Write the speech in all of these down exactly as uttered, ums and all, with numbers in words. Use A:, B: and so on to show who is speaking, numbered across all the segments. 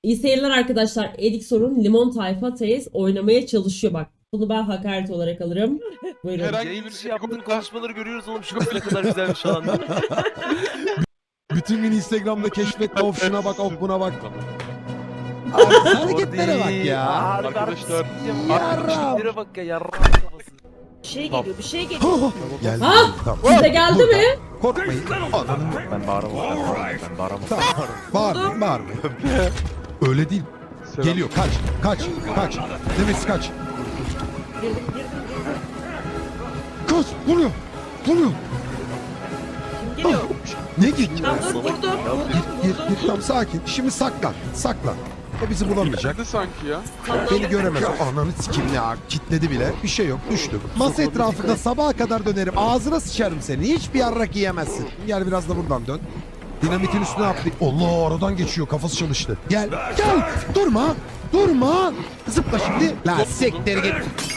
A: İyi seyirler arkadaşlar. Edik Sorun Limon Tayfa Teyze oynamaya çalışıyor bak. Bunu ben hakaret olarak alırım. Buyurun.
B: Herhangi
C: Yayın
B: bir
C: dışı yaptığın
B: Google'da-
C: konuşmaları görüyoruz oğlum. Şu kız ne kadar güzelmiş falan.
D: Bütün gün Instagram'da keşfette of şuna bak of buna bak. Abi hareketlere bak ya.
B: Arkadaşlar,
C: Hareketlere bak ya. Yarrağın kafası.
E: Bir şey geliyor, bir şey geliyor.
D: Geldi.
A: Ha?
D: Tamam.
A: Size geldi mi?
D: Korkmayın. Ananın
C: Ben bağıramam. Ben bağıramam.
D: tamam. Bağırmayın bağırmayın. Öyle değil. Geliyor kaç kaç kaç. Demesi kaç.
E: Girdim, girdim, girdim.
D: Kaç vuruyor. Vuruyor.
E: Kim geliyor?
D: Ne git?
E: Tamam dur, vurdum, vurdum,
D: Gir
E: vurdum.
D: gir tam sakin. Şimdi saklan. Saklan. O bizi bulamayacak.
B: nerede sanki ya?
D: Beni göremez. O ananı sikim ya. Kitledi bile. Bir şey yok. Düştüm. Masa etrafında sabaha kadar dönerim. Ağzına sıçarım seni. Hiçbir yarrak yiyemezsin. Gel biraz da buradan dön. Dinamitin üstüne atlı. Allah aradan geçiyor. Kafası çalıştı. Gel. Gel. Durma. Durma. Zıpla şimdi. La siktir git.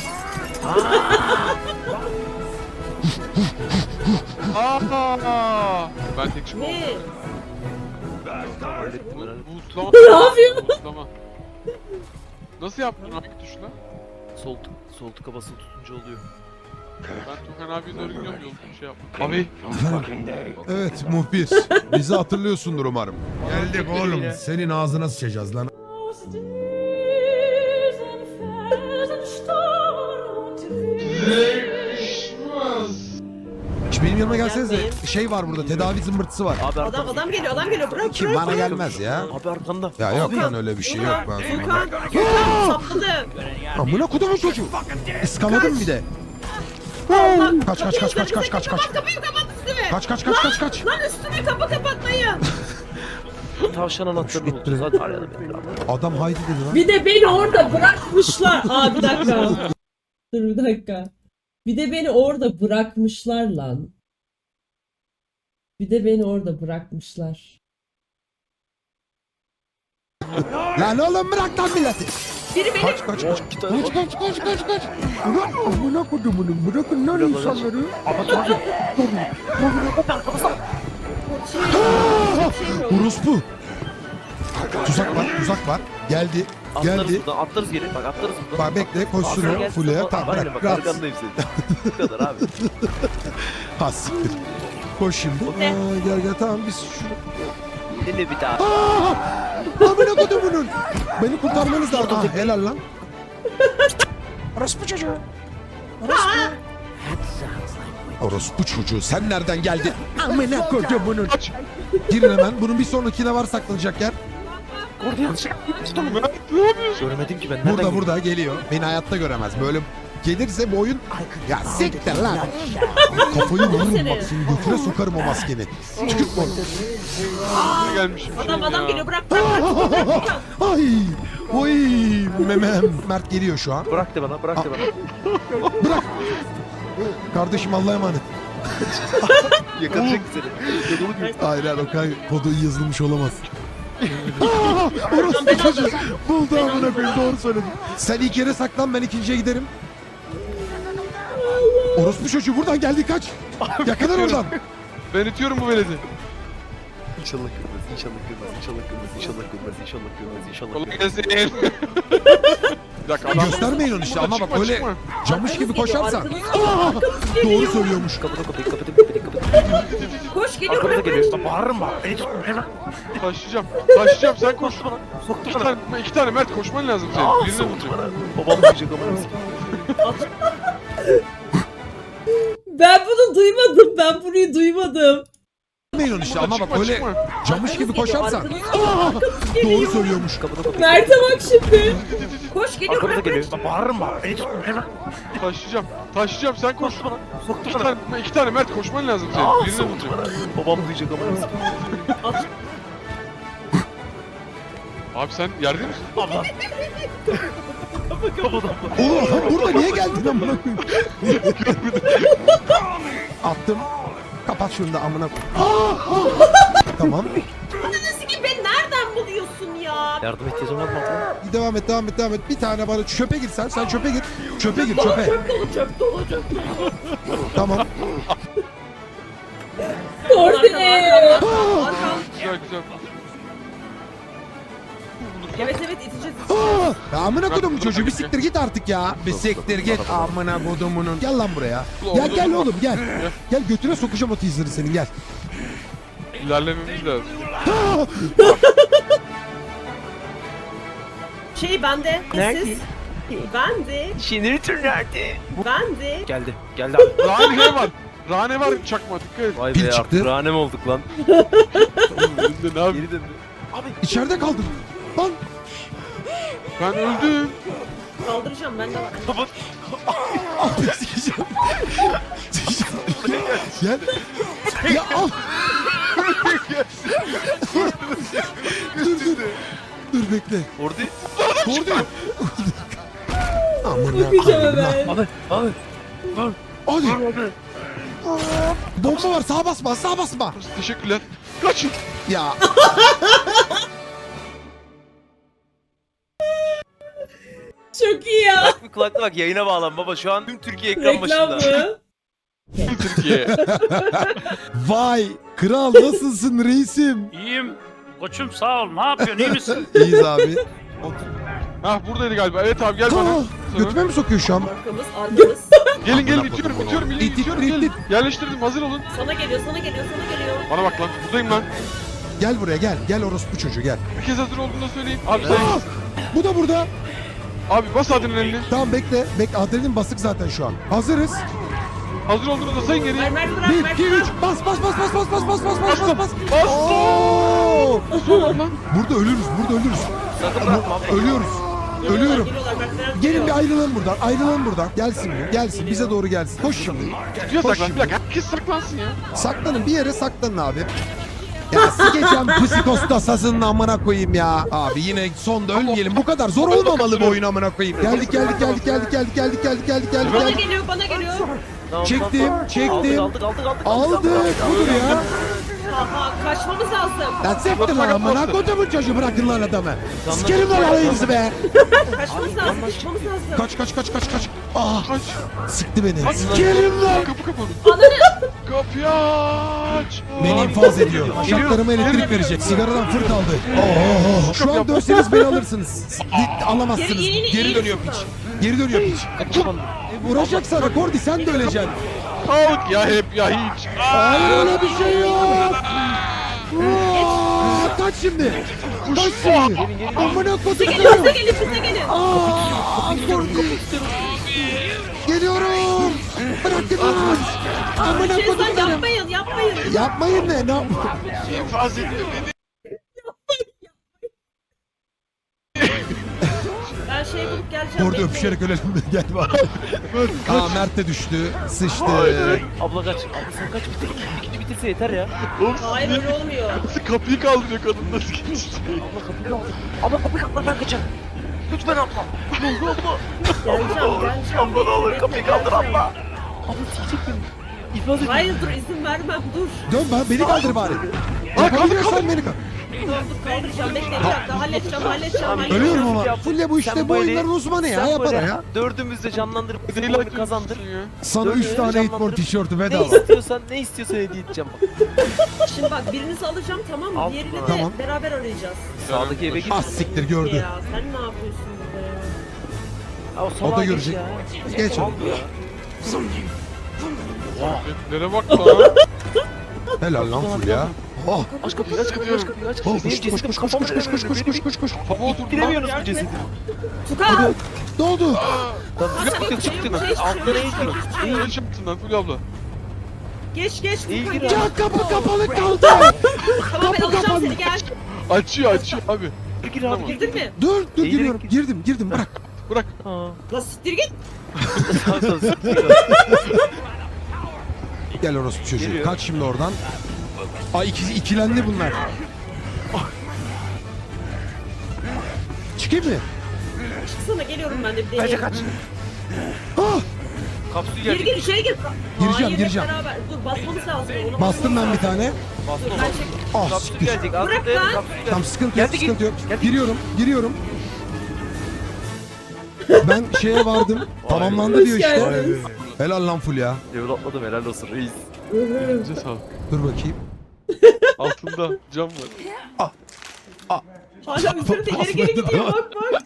B: Aa! Ben tek şimdi
E: Ne?
B: Bootlama.
A: Ne yapıyor?
B: Bootlama. Nasıl yaptın hangi tuşla?
C: Sol tık, sol tıka basılı tutunca oluyor.
B: Ben Tukan abiye doğru gidiyorum yolda bir şey yaptım. Abi.
D: Evet muhbir. Bizi hatırlıyorsundur umarım. Geldik oğlum. Senin ağzına sıçacağız lan. Şu benim yanıma gelsenize. Şey var burada. Tedavi zımbırtısı var.
C: Abi
E: Adam,
C: arkamda.
E: adam geliyor, adam geliyor. Bırak,
D: Kim
E: bırak.
D: bana gelmez ya.
C: Abi arkanda.
D: Ya yok lan öyle bir şey yok ben.
E: Gökhan, Gökhan sapladı.
D: Amına kodumun çocuğu. Iskaladım bir de. Kaç kaç kaç kaç kaç kaç kaç.
E: Kapıyı kapat üstüme.
D: Kaç kaç kaç kaç kaç.
E: Lan üstüme kapı kapatmayın.
C: Tavşan anahtarını bulacağız. Hadi arayalım.
D: Adam haydi dedi lan.
A: Bir de beni orada bırakmışlar. Aa bir dakika. Dur bir dakika. Bir de beni orada bırakmışlar lan. Bir de beni orada bırakmışlar.
D: Lan oğlum bırak lan milleti.
E: Biri beni...
D: Kaç kaç kaç.
C: İki tane
D: Kaç kaç kaç kaç kaç. Ulan amına kodumunun bırakın lan insanları. Orospu. Tuzak var tuzak var. Geldi.
C: Atlarız
D: Geldi.
C: buradan, atlarız geri. Bak atlarız buradan.
D: Bak bekle koşsun
C: Atlar
D: o.
C: gel.
D: Fulya tamam
C: Aynen
D: bırak.
C: bak
D: Rahat.
C: arkandayım senin. Bu kadar abi.
D: Ha siktir. Koş şimdi.
E: Ne?
D: Aa, gel gel tamam biz şunu.
C: Deli bir daha.
D: Aa! Amına kodumunun. Beni kurtarmanız lazım. Ah, helal lan. Orospu çocuğu. Orospu. Orospu çocuğu sen nereden geldin? Amına kodumunun. Girin hemen. Bunun bir sonrakine var saklanacak yer.
C: Orada yanlış. Göremedim ki ben. Nereden
D: Burada
C: girdim?
D: burada geliyor. Beni hayatta göremez. Böyle gelirse bu oyun... Ya siktir lan. Kafayı vururum bak seni götüne sokarım o maskeni. Çıkıp bak.
B: Gelmişim
E: Adam,
B: şey
E: adam
B: ya.
E: geliyor. Bırak, bırak, bırak.
D: Ay. Oy. Memem. Mert geliyor şu an.
C: Bırak de bana, bırak de bana.
D: Bırak. Kardeşim Allah'a emanet.
C: Yakalayacak seni. Yakalı gibi.
D: Hayır hayır o kadar kodu yazılmış olamaz. Aa, orospu çocuğu. Buldu amına koyayım doğru söyledin. Sen ilk yere saklan ben ikinciye giderim. Orospu çocuğu buradan geldi kaç. Yakalar oradan.
B: Ben itiyorum bu veledi.
C: İnşallah kırmaz, inşallah kırmaz, inşallah kırmaz, inşallah kırmaz, inşallah kırmaz, inşallah
B: Kolay
C: kırmaz.
B: gelsin. Bir dakika adam.
D: Göstermeyin onu işte ama bak
B: Çıkma,
D: öyle
B: çıkma.
D: camış gibi
E: Arkamız geliyor,
D: koşarsan.
E: arkamız
D: Aa, doğru söylüyormuş.
C: Kapıda kapıyı kapatın, kapıyı kapatın.
E: Koş geliyor,
C: Arkamıza
E: bırak, bırak.
C: geliyor. Bağırırım bak. Beni tutma hemen.
B: Taşıyacağım. Taşıyacağım sen koş.
C: Soktu bana, soktu
B: İki
C: bana.
B: tane, iki tane Mert koşman lazım senin.
C: Aa,
B: Birini
C: soktu
B: bulacak.
C: bana. Babam duyacak ama.
A: Ben bunu duymadım. Ben burayı duymadım.
D: Göstermeyin onu işte ama bak
B: Çıkma,
D: öyle
B: çıkma.
D: camış gibi
E: Arkamız geliyor,
D: koşarsan.
E: arkamız
D: Aa, doğru söylüyormuş.
C: Kapıda kapıyı.
A: Mert'e bak şimdi.
E: Koş geliyor,
C: Arkamıza
E: bırak,
C: geliyor.
E: bırak.
C: Bağırırım bak. Beni tutma hemen.
B: Taşıyacağım. Taşıyacağım sen koş.
C: Soktu bana, soktu
B: İki
C: bana.
B: tane, iki tane Mert koşman lazım senin.
C: Aa,
B: Birini
C: soktu
B: bulacak.
C: bana. Babam duyacak ama.
B: Abi sen yerde misin?
C: Abla. Kapıda.
D: Oğlum adam burada niye geldin amına koyayım? Attım. Kapat şunu da amına koyayım. Tamam.
E: Nasıl ki beni nereden buluyorsun ya?
C: Yardım ihtiyacın var mı abla?
D: Devam et devam et devam et. Bir tane bana çöpe gir sen. Sen çöpe gir. Çöpe gir çöpe.
E: Çöp dolu, çöp dolu, çöp dolu.
D: Tamam.
A: Koordine.
E: Arkam, arkam.
B: Güzel güzel.
E: Evet evet iteceğiz.
D: Aa, ya amına kodumun
B: Bırak,
D: çocuğu bir
B: bırak,
D: siktir git artık ya. Bir siktir git amına kodumunun. Gel lan buraya. Gel gel oğlum gel. Gel götüne sokacağım o teaser'ı senin gel.
B: İlerlememiz lazım.
D: Aa,
E: Şey bende. Siz. Bende.
C: Jeneratör nerede?
E: Bende.
C: Geldi. Geldi abi.
B: Rane var. Rane var çakma dikkat et.
C: Vay
D: Pil
C: be
D: çıktı.
C: ya. Ranem olduk lan.
B: Oğlum önünde ne yapayım?
C: Geri döndü. Abi.
D: içeride kaldım. Lan.
B: Ben öldüm.
E: Kaldıracağım bende var.
C: Baba.
D: Abi sikeceğim. Gel. Ya al. dur dur. Dur bekle.
C: Orada.
D: Orada. Amına
A: Bakacağım
D: koyayım lan.
A: hemen.
C: Abi. Abi.
D: Hadi. Bomba var sağa basma sağa basma.
B: Teşekkürler. Kaçın.
D: Ya.
A: Çok iyi ya.
C: Bak bir kulakla bak yayına bağlan baba. Şu an tüm Türkiye ekran
A: Reklam
C: başında.
A: mı?
B: Türkiye.
D: Vay. Kral nasılsın reisim?
F: İyiyim. Koçum sağ ol. Ne yapıyorsun? İyi misin?
D: İyiyiz abi.
B: Hah buradaydı galiba. Evet abi gel bana.
D: Aa,
B: Sana.
D: götüme mi sokuyor şu an?
E: Arkamız arkamız.
B: Gelin gelin
C: Amına
B: itiyorum
C: kodum
B: itiyorum
D: İt,
B: gelin
D: it,
B: itiyorum
D: it,
B: gelin.
D: it.
B: Yerleştirdim hazır olun.
E: Sana geliyor sana geliyor sana geliyor.
B: Bana bak lan buradayım lan.
D: Gel buraya gel. Gel orospu çocuğu gel.
B: Bir kez hazır olduğunu da söyleyeyim. Abi sen
D: Aa, bu da burada.
B: abi bas adrenalini.
D: Tamam bekle. Bekle adrenalin basık zaten şu an. Hazırız.
B: Hazır olduğunu da sayın geriye.
E: Ver Mert bırak
D: bir,
E: Mert
D: iki, üç.
E: bırak.
D: Bas bas bas bas bas bas bas bas bas bas bas.
B: Bas.
D: Oo!
B: Lan.
D: Burada ölürüz. Burada ölürüz.
C: Sakın bırakma abi.
D: Ölüyoruz.
E: Geliyorlar,
D: Ölüyorum.
E: Geliyorlar Mert bırak.
D: Gelin
E: geliyor.
D: bir ayrılalım buradan. Ayrılalım buradan. Gelsin bu. Gelsin. Bize doğru gelsin. Koş şimdi.
B: Tutuyor
D: Koş
B: saklan.
D: şimdi.
B: Bir dakika herkes saklansın ya.
D: Saklanın bir yere saklanın abi. Ya sikeceğim psikosta sazının amına koyayım ya. Abi yine sonda ölmeyelim. Bu kadar zor olmamalı bu oyun amına koyayım. Geldik geldik geldik geldik geldik geldik geldik geldik geldik
E: Bana
D: geldik.
E: geliyor bana geliyor.
C: Tamam,
D: Çektim,
C: tamam.
D: çektim.
C: Aldık aldık aldık.
D: Aldık. Budur ya.
E: Aha kaçmamız lazım.
D: Lan sektir lan amına kodumun çocuğu bırakın lan adamı. Sikerim lan alayınızı be.
E: Kaçmamız lazım kaçmamız lazım.
D: Kaç kaç kaç kaç kaç. Ah
B: Kaç.
D: sıktı beni. Sikerim lan.
B: Kapı kapalı.
E: Ananı.
B: Kapıyı aç.
D: Beni infaz ediyor. Şartlarıma elektrik verecek. Sigaradan fırt aldı. Oh, şu an dönseniz beni alırsınız. Di- Alamazsınız.
E: Geri- geri-
D: Geri
E: geri-
D: dönüyor piç. Geri dönüyor piç. E, Vuracak sana Kordi sen de öleceksin.
B: Kalk ya hep ya hiç.
D: Hayır öyle bir şey yok. Aa, kaç şimdi. Kaç şimdi. Amına kodum.
E: Bize gelin bize gelin bize gelin.
D: Aa, Kordi. Geliyorum. Bırakın lan. Amına
E: Şey sen
D: kodum.
E: yapmayın yapmayın.
D: Yapmayın ne? Ne yap?
B: İnfaz ediyor beni.
E: Ben şey bulup geleceğim.
D: Orada
E: bekleyin.
D: öpüşerek ölelim mi? Gel bak. Aa Mert de düştü. Sıçtı.
C: Abla kaç. Abla sen kaç bitir. İkinci bitirse yeter ya.
E: Hayır öyle olmuyor.
B: Nasıl kapıyı kaldırıyor kadın nasıl geçti?
C: Abla kapıyı kaldır. Abla kapıyı kaldır ben kaçacağım. Lütfen abla. Ne oldu abla?
E: Geleceğim geleceğim.
C: Abla ne olur
E: Bekle,
C: kapıyı
E: bekle,
C: kaldır
E: geleceğim.
C: abla. Abla sikecek beni. İflas edin.
E: Hayır dur izin vermem dur.
D: Dön bana beni kaldır bari. Yapabiliyorsan beni kaldır.
E: Dur dur kaldıracağım bekle bir dakika halledeceğim halledeceğim halledeceğim.
D: Ölüyorum ama. Fulya bu işte
C: Sen
D: bu
C: böyle-
D: oyunların uzmanı ya.
C: Sen
D: Yapar
C: böyle
D: ya.
C: Dördümüz de canlandırıp bizim
B: Neyle
C: oyunu kazandır.
B: ya?
D: Sana
C: Dön
D: üç
C: ya,
D: tane
C: canlandır.
D: Hitmore tişörtü
C: Ne
D: bedava.
C: istiyorsan ne istiyorsan hediye edeceğim bak.
E: Şimdi bak birinizi alacağım tamam mı?
C: Al.
E: Diğerini de
D: Tamam.
E: beraber arayacağız.
C: Sağdaki eve git.
D: Ah siktir gördü.
E: Ya sen ne yapıyorsun burada ya?
C: Aa, salağa
D: O da
C: geç
D: görecek.
C: ya.
D: Geç
C: Al
D: onu.
C: ya.
B: Nereye bak lan?
D: Helal lan Fulya. Oh.
C: Aç kapıyı aç kapıyı aç kapıyı aç
D: Oh,
C: kapıyı.
D: koş
C: Benim
D: koş
C: cesedim
D: koş koş koş
C: kafamda
D: koş koş koş koş koş koş.
B: Baba otur lan.
C: Giremiyoruz bu cesedi.
E: Tukan!
D: Ne oldu?
C: Tamam
E: Hadi
C: çıktık
E: bakayım,
C: çıktık.
E: şey, şey,
C: Altına
E: şey,
C: eğilmiyor.
E: şey,
B: Ne iş yaptın lan Fulya abla?
E: Geç geç Tukan
C: İyi gir
E: geç.
C: abi.
D: Ya kapı kapalı kaldı.
E: Tamam ben
D: kapı
E: alacağım
D: kapandı.
E: seni gel.
B: Açıyor açıyor abi.
C: Gir abi gir.
E: Girdin mi?
D: Dur dur
C: İyi
D: giriyorum.
C: direkt-
D: Girdim girdim bırak.
B: Bırak.
C: Ha.
E: La siktir git.
C: Sağ sağ siktir.
D: Gel orospu çocuğu.
C: Geliyor.
D: Kaç şimdi oradan. Ay ikisi ikilendi bunlar. Çıkayım mı?
E: Çıksana geliyorum ben de bir
C: Kaça
E: deneyeyim.
C: kaç.
D: Ah!
C: Kapsül
E: Gir
C: gelecek.
E: gir içeri gir.
D: Gireceğim,
E: Hayır, hep
D: gireceğim.
E: Beraber. Dur basmamız lazım. Ona
D: Bastım ben bir tane.
C: Bastım
E: Ben
C: bastım.
E: çek.
D: Ah
C: Kapsül
D: siktir.
C: gelecek. Az
E: Bırak
C: dayanın,
E: lan.
C: kapsül gelecek.
D: Tamam sıkıntı yok
C: Geldi,
D: sıkıntı yok.
C: geldi.
D: Giriyorum giriyorum. Ben şeye vardım. Tamamlandı diyor
A: Hoş
D: işte.
A: geldiniz.
D: Helal lan Fulya.
C: Level atladım helal olsun reis.
B: Elinize sağlık.
D: Dur bakayım.
B: Altında cam var.
E: Hala üzerinde ileri geri gidiyor bak bak.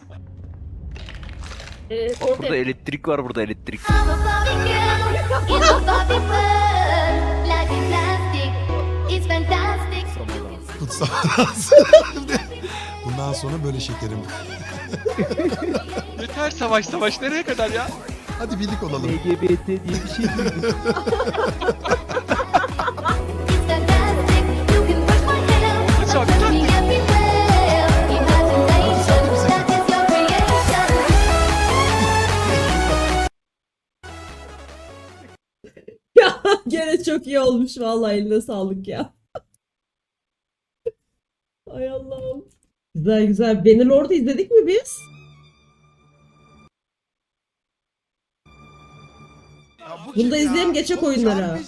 E: Ee,
C: Bak burada
E: orada
C: elektrik var, burada elektrik.
G: I'm a Barbie girl in a Barbie world. Life is plastic, it's fantastic.
D: Kutsal. Bundan sonra böyle şekerim.
B: Yeter savaş savaş nereye kadar ya?
D: Hadi birlik olalım.
C: L G B T diye bir şey değil.
G: It's fantastic, you can push my head out.
B: Çok
G: Touch me
B: tatlı.
G: everywhere. Imagination, that is your creation.
A: Ya gene çok iyi olmuş vallahi, eline sağlık ya. Ay Allah'ım. Güzel güzel. Bannerlord'u izledik mi biz?
D: Ya bu
A: Bunu da
D: kim ya?
A: izleyelim, geçek
D: Oğlum
A: oyunlara.
D: Çağrı